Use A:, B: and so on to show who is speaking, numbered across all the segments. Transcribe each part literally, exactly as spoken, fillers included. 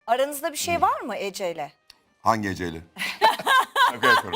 A: Aranızda bir şey var mı Ece'yle?
B: Hangi Ece'yle? Şaka yapıyorum.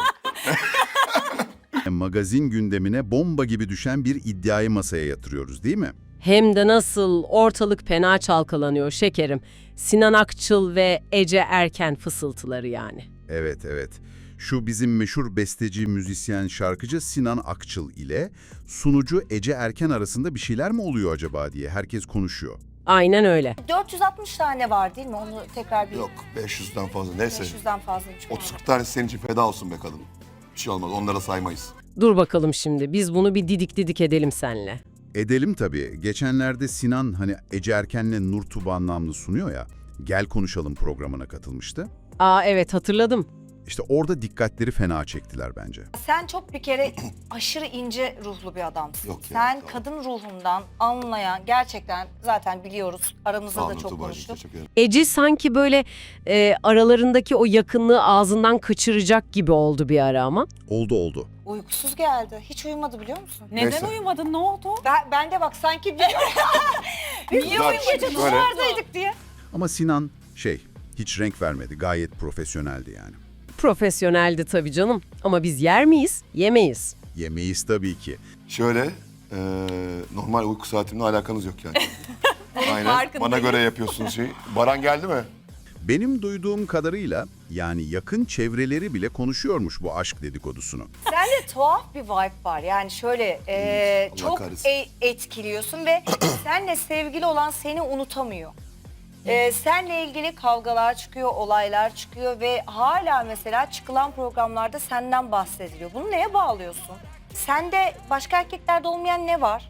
C: Magazin gündemine bomba gibi düşen bir iddiayı masaya yatırıyoruz değil mi?
D: Hem de nasıl, ortalık fena çalkalanıyor şekerim. Sinan Akçıl ve Ece Erken fısıltıları yani.
C: Evet, evet. Şu bizim meşhur besteci, müzisyen, şarkıcı Sinan Akçıl ile sunucu Ece Erken arasında bir şeyler mi oluyor acaba diye herkes konuşuyor.
D: Aynen öyle.
A: dört yüz altmış tane var değil mi? Onu tekrar bir
B: Yok beş yüzden fazla neyse.
A: beş yüzden fazlaymış.
B: otuz kırk tanesi senin için feda olsun be kadın. Bir şey olmaz onlara saymayız.
D: Dur bakalım şimdi, biz bunu bir didik didik edelim seninle.
C: Edelim tabii. Geçenlerde Sinan hani Ece Erken'le Nur Tuba namlı sunuyor ya, Gel Konuşalım programına katılmıştı.
D: Aa evet, hatırladım.
C: İşte orada dikkatleri fena çektiler bence.
A: Sen çok bir kere aşırı ince ruhlu bir adamsın.
B: Yok ya,
A: Sen
B: tamam.
A: kadın ruhundan anlayan, gerçekten zaten biliyoruz. Aramızda
B: Sağ
A: da
B: olun
A: çok
B: Tuğba'cığım,
A: konuştuk.
B: teşekkür ederim.
D: Ece sanki böyle e, aralarındaki o yakınlığı ağzından kaçıracak gibi oldu bir ara ama.
C: Oldu oldu.
A: Uykusuz geldi. Hiç uyumadı biliyor musun?
E: Neden
B: Neyse.
E: uyumadın? Ne oldu?
A: Ben, ben de bak sanki bir... Biz niye
B: Zaten
A: uyumayacağız?
B: şöyle-
A: Dışarıdaydık diye.
C: Ama Sinan şey, hiç renk vermedi. Gayet profesyoneldi yani.
D: Profesyoneldi tabii canım. Ama biz yer miyiz? Yemeyiz.
C: Yemeyiz tabii ki.
B: Şöyle eee, normal uyku saatimle alakanız yok yani. Aynen
E: Farkındayım.
B: bana göre yapıyorsunuz şey. Baran geldi mi?
C: Benim duyduğum kadarıyla yani yakın çevreleri bile konuşuyormuş bu aşk dedikodusunu.
A: Sende tuhaf bir vibe var. Yani şöyle e,
B: Allah
A: çok
B: kahretsin.
A: e- etkiliyorsun ve seninle sevgili olan seni unutamıyor. E, seninle ilgili kavgalar çıkıyor, olaylar çıkıyor ve hala mesela çıkılan programlarda senden bahsediliyor. Bunu neye bağlıyorsun? Sende başka erkeklerde olmayan ne var?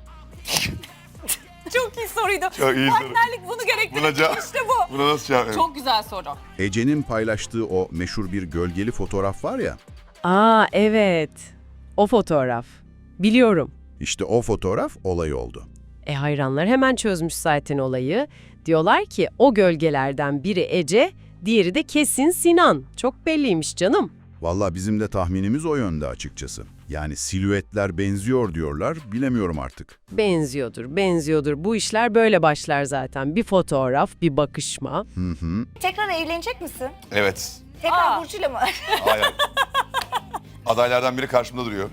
E: Çok iyi soruydu.
B: Çok iyi soru.
E: Partnerlik bunu
B: Buna
E: gerektirir.
B: cevap.
E: İşte bu.
B: Buna nasıl cevap?
E: Çok güzel soru.
C: Ece'nin paylaştığı o meşhur bir gölgeli fotoğraf var ya,
D: Aa evet. O fotoğraf. Biliyorum.
C: işte o fotoğraf olay oldu.
D: E hayranlar hemen çözmüş zaten olayı. Diyorlar ki o gölgelerden biri Ece, diğeri de kesin Sinan. Çok belliymiş canım.
C: Vallahi bizim de tahminimiz o yönde açıkçası. Yani silüetler benziyor diyorlar, bilemiyorum artık.
D: Benziyordur, benziyordur. Bu işler böyle başlar zaten. Bir fotoğraf, bir bakışma.
C: Hı hı.
A: Tekrar evlenecek misin?
B: Evet.
A: Tekrar
E: Aa.
A: Burcu'yla mı?
B: Hayır. Adaylardan biri karşımda duruyor.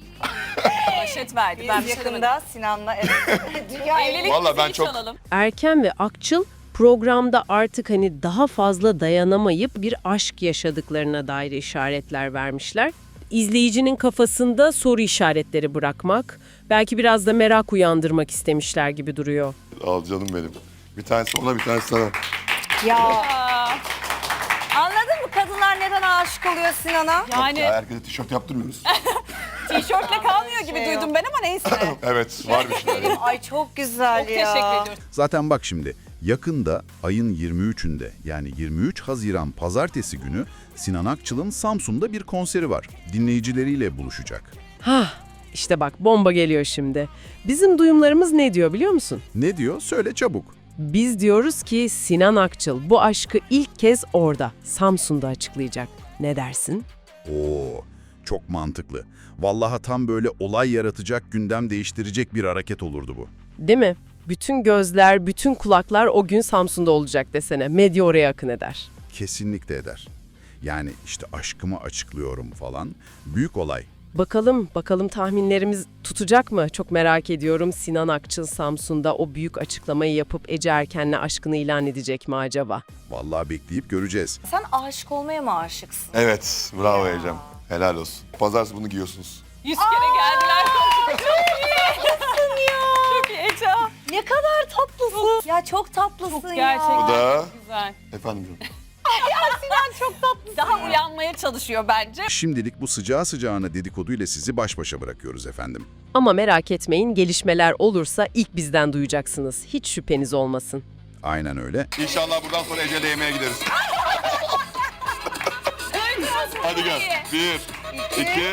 E: Başet verdi. Ben
A: Biz
E: bir şey demedim.
A: yakında Sinan'la evet. Dünya
E: Evlilik
B: Vallahi ben
E: müziği
B: çok-
E: çalalım.
D: Erken ve Akçıl programda artık hani daha fazla dayanamayıp bir aşk yaşadıklarına dair işaretler vermişler. İzleyicinin kafasında soru işaretleri bırakmak, belki biraz da merak uyandırmak istemişler gibi duruyor.
B: Al canım benim. Bir tanesi ona bir tanesi sana.
A: Ya
E: Aa,
A: anladın mı kadınlar neden aşık oluyor Sinan'a?
E: yani
B: Ya herkese tişört yaptırmıyoruz.
E: tişörtle kalmıyor gibi
A: Şey
E: duydum ben ama neyse.
B: Evet var bir şeyler.
A: Ay çok güzel
E: Çok
A: ya.
E: teşekkür ediyorum.
C: Zaten bak şimdi, yakında ayın yirmi üçünde yani yirmi üç Haziran Pazartesi günü Sinan Akçıl'ın Samsun'da bir konseri var. Dinleyicileriyle buluşacak.
D: Hah, işte bak bomba geliyor şimdi. Bizim duyumlarımız ne diyor biliyor musun?
C: Ne diyor? Söyle çabuk.
D: Biz diyoruz ki Sinan Akçıl bu aşkı ilk kez orada, Samsun'da açıklayacak. Ne dersin?
C: Oo, çok mantıklı. Vallahi tam böyle olay yaratacak, gündem değiştirecek bir hareket olurdu bu.
D: Değil mi? Bütün gözler, bütün kulaklar o gün Samsun'da olacak desene. Medya oraya akın eder.
C: Kesinlikle eder. Yani işte aşkımı açıklıyorum falan. Büyük olay.
D: Bakalım, bakalım tahminlerimiz tutacak mı? Çok merak ediyorum. Sinan Akçıl Samsun'da o büyük açıklamayı yapıp Ece Erken'le aşkını ilan edecek mi acaba?
C: Vallahi bekleyip göreceğiz.
A: Sen aşık olmaya mı aşıksın?
B: Evet bravo Ecem. Helal olsun. Pazartesi bunu giyiyorsunuz.
E: Yüz kere geldiler. Çok iyi. Çok iyi Ece.
A: Ne kadar tatlısın. Ya çok tatlısın
E: Çok
A: ya.
E: gerçekten.
B: Bu da
E: Güzel.
B: efendim canım.
E: Daha uyanmaya çalışıyor bence.
C: Şimdilik bu sıcağı sıcağına dedikoduyla sizi baş başa bırakıyoruz efendim.
D: Ama merak etmeyin, gelişmeler olursa ilk bizden duyacaksınız. Hiç şüpheniz olmasın.
C: Aynen öyle.
B: İnşallah buradan sonra Ece'yle yemeğe gideriz. Hadi gel. Bir, iki,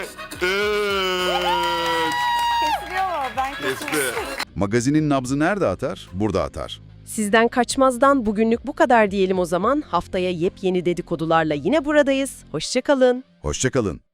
B: üç.
A: Kesiliyor mu? Ben
B: Kesti.
C: Magazinin nabzı nerede atar? Burada atar.
D: Sizden kaçmazdan bugünlük bu kadar diyelim o zaman. Haftaya yepyeni dedikodularla yine buradayız. Hoşça kalın.
C: Hoşça kalın.